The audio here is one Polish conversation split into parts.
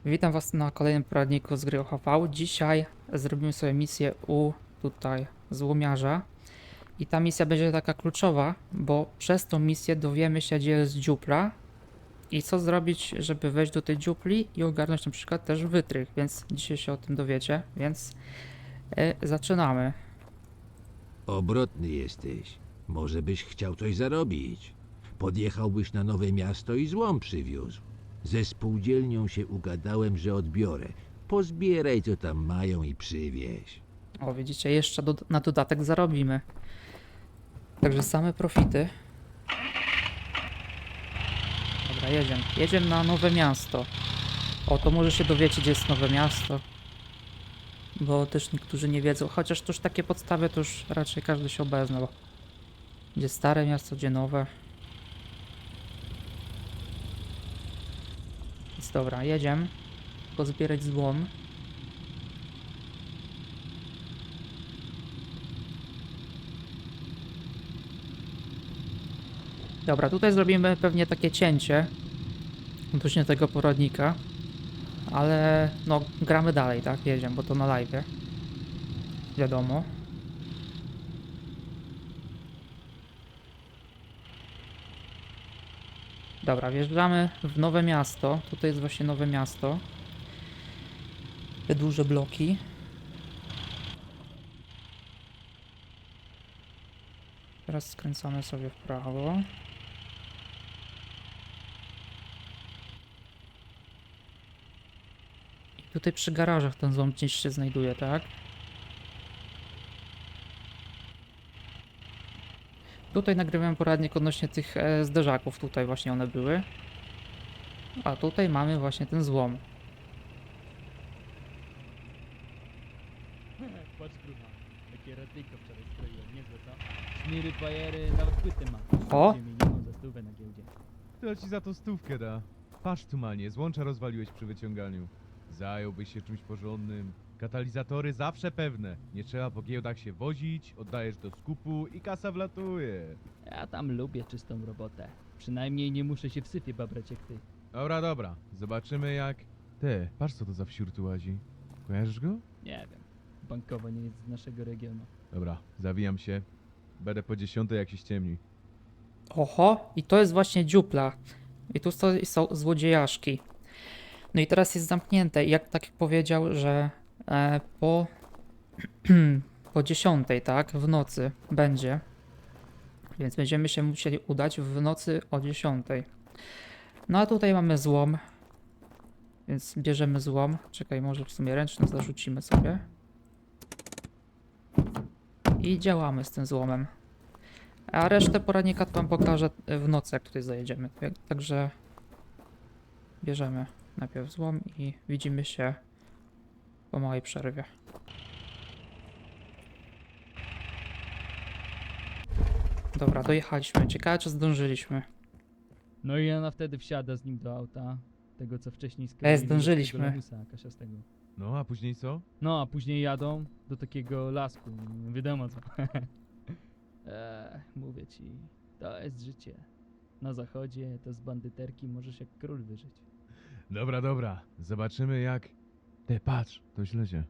Witam Was na kolejnym poradniku z gry OHV. Dzisiaj zrobimy sobie misję u tutaj złomiarza. I ta misja będzie taka kluczowa, bo przez tą misję dowiemy się, gdzie jest dziupla i co zrobić, żeby wejść do tej dziupli i ogarnąć na przykład też wytrych, więc dzisiaj się o tym dowiecie, więc zaczynamy. Obrotny jesteś. Może byś chciał coś zarobić. Podjechałbyś na Nowe Miasto i złom przywiózł. Ze spółdzielnią się ugadałem, że odbiorę. Pozbieraj, co tam mają i przywieź. O, widzicie, jeszcze na dodatek zarobimy. Także same profity. Dobra, jedziemy. Jedziemy na Nowe Miasto. O, to może się dowiecie, gdzie jest Nowe Miasto. Bo też niektórzy nie wiedzą, chociaż to już takie podstawy, to już raczej każdy się obeznał. Gdzie stare miasto, gdzie nowe. Więc dobra, jedziemy. Pozbierać złom. Dobra, tutaj zrobimy pewnie takie cięcie odnośnie tego poradnika. Ale no, gramy dalej, tak? Jedziemy, bo to na live. Wiadomo. Dobra, wjeżdżamy w Nowe Miasto. Tutaj jest właśnie Nowe Miasto. Te duże bloki. Teraz skręcamy sobie w prawo. I tutaj przy garażach ten złom gdzieś się znajduje, tak? Tutaj nagrywałem poradnik odnośnie tych zderzaków. Tutaj właśnie one były. A tutaj mamy właśnie ten złom. Patrz grucha, jakie radyjko wczoraj skroiłem, niezłe co? Szmiry, bajery, nawet płyty ma. O! 2 miliony za stówę na giełdzie. To ci za to stówkę da. Patrz tu manie, złącza rozwaliłeś przy wyciąganiu. Zająłbyś się czymś porządnym. Katalizatory zawsze pewne. Nie trzeba po giełdach się wozić, oddajesz do skupu i kasa wlatuje. Ja tam lubię czystą robotę. Przynajmniej nie muszę się w syfie babrać jak ty. Dobra, dobra. Zobaczymy jak... Te, patrz co to za wsiór tu łazi. Kojarzysz go? Nie wiem, bankowo nie jest z naszego regionu. Dobra, zawijam się. Będę po 10 jak się ściemni. Oho, i to jest właśnie dziupla. I tu są złodziejaszki. No i teraz jest zamknięte. I jak tak powiedział, że po, po 10, tak, w nocy będzie. Więc będziemy się musieli udać w nocy o 10. No a tutaj mamy złom. Więc bierzemy złom. Czekaj, może w sumie ręczny zarzucimy sobie. I działamy z tym złomem. A resztę poradnika to wam pokażę w nocy, jak tutaj zajedziemy. Także bierzemy najpierw złom i widzimy się po małej przerwie. Dobra, dojechaliśmy. Ciekawe, czy zdążyliśmy. No i ona wtedy wsiada z nim do auta. Tego co wcześniej skroili. zdążyliśmy. tego lamusa kasiastego. No, a później co? No a później jadą do takiego lasku. Wiadomo co. Mówię ci, to jest życie. Na zachodzie to z bandyterki możesz jak król wyżyć. Dobra, dobra. Zobaczymy jak... Te, patrz, to źle się.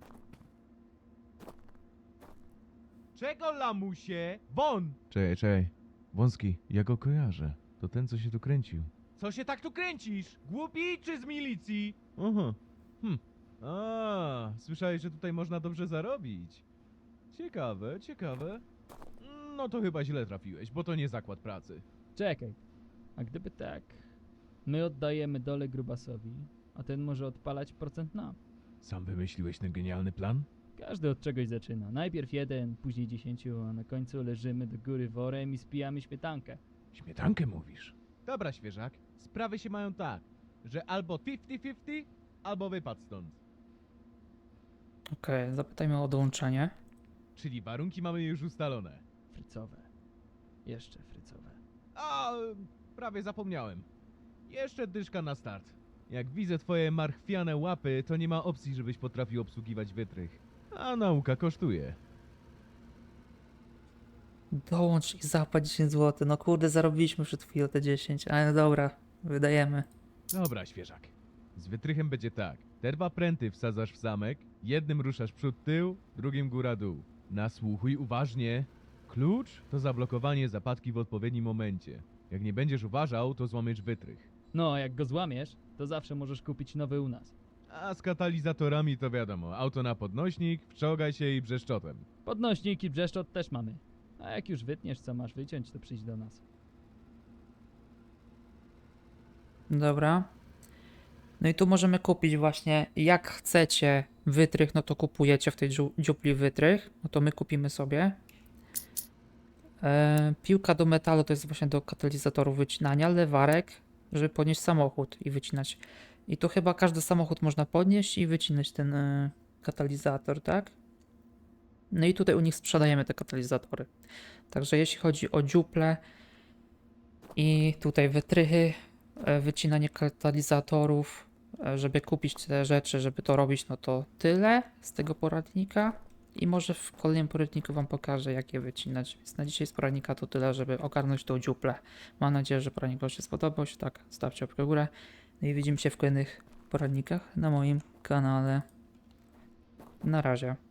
Czego, lamusie? Won! Czekaj, czekaj. Wąski, ja go kojarzę. To ten, co się tu kręcił. Co się tak tu kręcisz? Głupi czy z milicji? Aha. A, słyszałeś, że tutaj można dobrze zarobić. Ciekawe, ciekawe. No to chyba źle trafiłeś, bo to nie zakład pracy. Czekaj, a gdyby tak, my oddajemy dole grubasowi, a ten może odpalać procent nam. Sam wymyśliłeś ten genialny plan? Każdy od czegoś zaczyna. Najpierw 1, później 10, a na końcu leżymy do góry worem i spijamy śmietankę. Śmietankę mówisz? Dobra, świeżak. Sprawy się mają tak, że albo 50-50, albo wypad stąd. Okej, zapytajmy o dołączenie. Czyli warunki mamy już ustalone. Frycowe. Jeszcze frycowe. A, prawie zapomniałem. Jeszcze dyszka na start. Jak widzę twoje marchwiane łapy, to nie ma opcji, żebyś potrafił obsługiwać wytrych. A nauka kosztuje. Dołącz i zapłać 10 zł. No kurde, zarobiliśmy przed chwilą te 10, ale dobra, wydajemy. Dobra, świeżak. Z wytrychem będzie tak. Te dwa pręty wsadzasz w zamek, jednym ruszasz przód tył, drugim góra dół. Nasłuchuj uważnie. Klucz to zablokowanie zapadki w odpowiednim momencie. Jak nie będziesz uważał, to złamiesz wytrych. No, a jak go złamiesz, to zawsze możesz kupić nowy u nas. A z katalizatorami to wiadomo. Auto na podnośnik, wczołgaj się i brzeszczotem. Podnośnik i brzeszczot też mamy. A jak już wytniesz, co masz wyciąć, to przyjdź do nas. Dobra. No i tu możemy kupić właśnie, jak chcecie wytrych, no to kupujecie w tej dziupli wytrych. No to my kupimy sobie. Piłka do metalu to jest właśnie do katalizatorów wycinania. Lewarek, żeby podnieść samochód i wycinać. I tu chyba każdy samochód można podnieść i wycinać ten katalizator, tak? No i tutaj u nich sprzedajemy te katalizatory. Także jeśli chodzi o dziuple i tutaj wytrychy, wycinanie katalizatorów, żeby kupić te rzeczy, żeby to robić, no to tyle z tego poradnika. I może w kolejnym poradniku wam pokażę, jak je wycinać. Więc na dzisiaj z poradnika to tyle, żeby ogarnąć tą dziuplę. Mam nadzieję, że poradnik wam się spodobał. Jeśli tak, stawcie łapkę w górę. No i widzimy się w kolejnych poradnikach na moim kanale. Na razie.